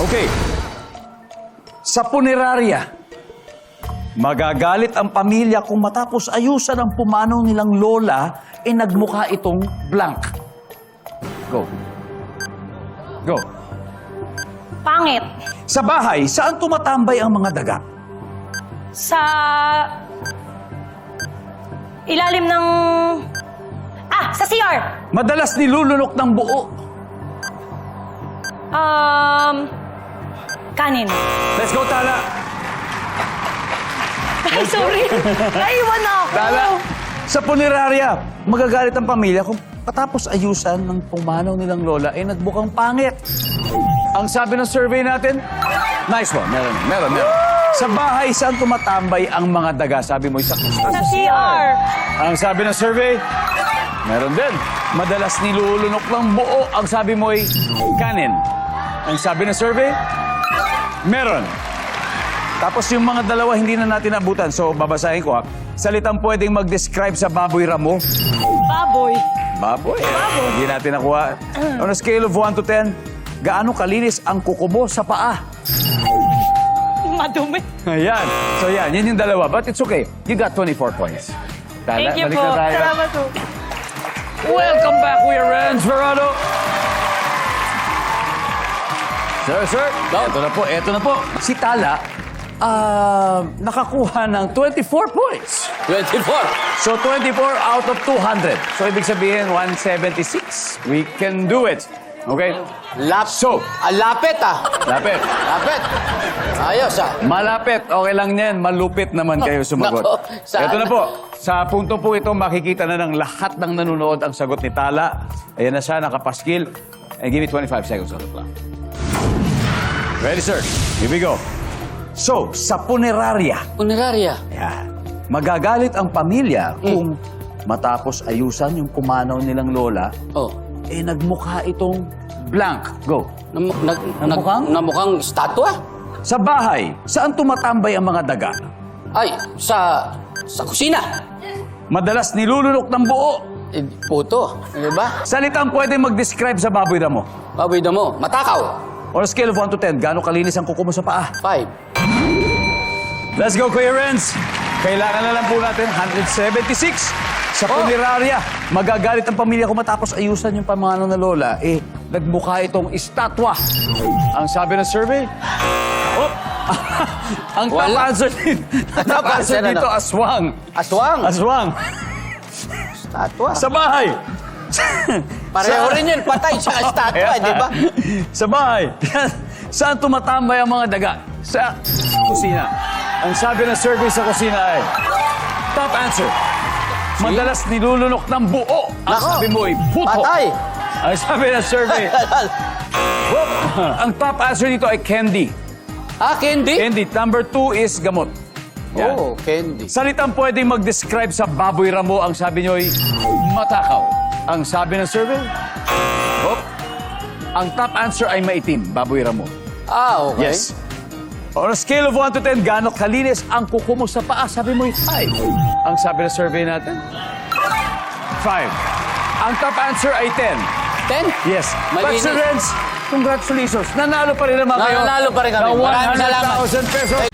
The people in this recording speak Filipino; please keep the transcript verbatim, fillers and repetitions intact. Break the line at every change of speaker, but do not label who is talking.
Okay. Sa punerarya, magagalit ang pamilya kung matapos ayusan ang pumanaw nilang lola, eh nagmukha itong blank. Go. Go.
Pangit.
Sa bahay, saan tumatambay ang mga daga?
Sa ilalim ng... Ah, sa C R.
Madalas nilulunok ng buo.
Um, kanin.
Let's go, Tala.
Ay, sorry. Naiwan na ako.
Tala. Sa punerarya, magagalit ang pamilya kung patapos ayusan ng pumanaw nilang lola, eh nagbukang pangit. Ang sabi ng survey natin, nice one. Meron, meron, meron. Sa bahay, saan tumatambay ang mga daga? Sabi mo, isa
Sa C R.
Ang sabi ng survey, meron din. Madalas nilulunok ng buo. Ang sabi mo ay kanin. Ang sabi ng survey, meron. Tapos yung mga dalawa hindi na natin abutan. So, babasahin ko ha. Salitang pwedeng mag-describe sa baboy ramo.
Baboy.
Baboy. Baboy. Hindi natin nakuha. On a scale of one to ten, gaano kalinis ang kuko mo sa paa?
Madumi.
Ayan. So yan, yun yung dalawa. But it's okay. You got twenty-four points. Tala,
Thank you
balik
po.
na tayo.
Salamat po.
Welcome back, Kuya Renz Verado. Sir, sir. Ito na po, ito na po. Si Tala, ah, nakakuha ng twenty-four points.
twenty-four.
So, twenty-four out of two hundred. So, ibig sabihin, one seventy-six. We can do it. Okay?
Lap
So,
ah, lapit ah.
lapit.
Lapit. Ayos ah.
Malapit. Okay lang yan. Malupit naman kayo sumagot.
Nako, saan?
Ito na po. Sa punto po ito, makikita na ng lahat ng nanonood ang sagot ni Tala. Ayan na siya, nakapaskil. And give me twenty-five seconds on the clock. Ready, sir? Here we go. So, sa punerarya,
Punerarya.
ayan, magagalit ang pamilya kung matapos ayusan yung pumanaw nilang lola,
Oh.
eh nagmukha itong blank. Go.
Nam nag nag
Namukhang?
namukhang statwa.
Sa bahay, saan tumatambay ang mga daga?
Ay, sa sa kusina.
Madalas nilulunok ng buo.
Eh, puto, di ba?
Salitang pwede mag-describe sa baboy na mo.
Baboy na mo. Matakaw.
On a scale of one to ten, gaano kalinis ang kuko mo sa paa?
Five.
Let's go, Kuya Renz. Kailangan na lang po natin one seventy-six. Sa
Oh.
punerarya, magagalit ang pamilya kung matapos ayusan yung pamanaw na lola, eh, nagmukha itong estatwa. Ang sabi ng survey, oh, ang top
Wala.
answer, ang top answer
Ano?
dito, aswang.
Aswang.
Aswang.
Statwa.
Sa bahay.
Pareho rin yun. Patay sa statwa, di ba?
Sa bahay. Saan tumatambay ang mga daga? Sa kusina. Ang sabi ng survey sa kusina ay, top answer. Madalas nilulunok ng buo. Ang
Nako.
sabi mo ay buto.
Patay.
Ang sabi ng survey, whoop. Ang top answer dito ay candy.
Ah, candy?
Candy. Number two is gamot. Yan.
Oh, candy.
Salitang pwedeng mag-describe sa baboy ramo, ang sabi nyo ay matakaw. Ang sabi ng survey, whoop. Ang top answer ay maitim, baboy ramo.
Ah, okay.
Yes. On a scale of one to ten, gaano kalinis ang kuko mo sa paa? Sabi mo ay five. Ang sabi ng survey natin? five. Ang top answer ay ten.
Ten?
Yes. But
Malinis.
Sir Renz, congratulations. Nanalo pa rin naman kayo.
Nanalo pa rin kami.
ng
Maraming salamat.
one hundred thousand pesos.